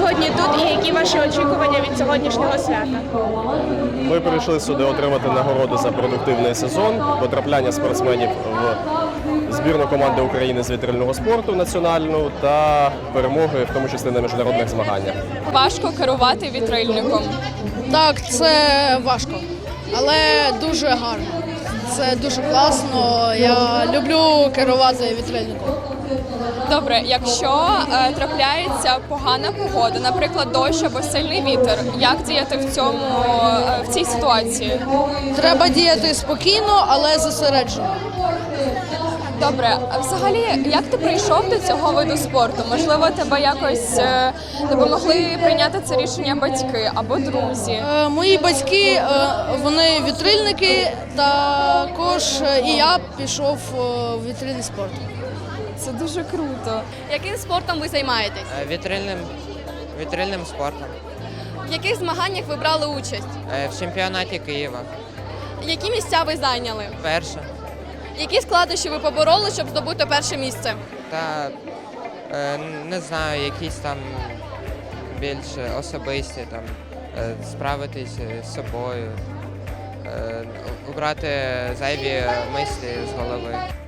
сьогодні тут і які ваші очікування від сьогоднішнього свята? Ми прийшли сюди отримати нагороду за продуктивний сезон, потрапляння спортсменів в збірну команди України з вітрильного спорту національну та перемоги, в тому числі на міжнародних змаганнях. Важко керувати вітрильником. Так, це важко, але дуже гарно. Це дуже класно. Я люблю керувати вітрильником. Добре, якщо трапляється погана погода, наприклад, дощ або сильний вітер, як діяти в цій ситуації? Треба діяти спокійно, але зосереджено. Добре, а взагалі, як ти прийшов до цього виду спорту? Можливо, тебе якось допомогли прийняти це рішення батьки або друзі? Мої батьки, вони вітрильники, також і я пішов в вітрильний спорт. Це дуже круто. Яким спортом ви займаєтесь? Вітрильним спортом. В яких змаганнях ви брали участь? В чемпіонаті Києва. Які місця ви зайняли? Перше. Які складнощі ви побороли, щоб здобути перше місце? Та не знаю, якісь там більш особисті, там, справитись з собою, убрати зайві мислі з голови.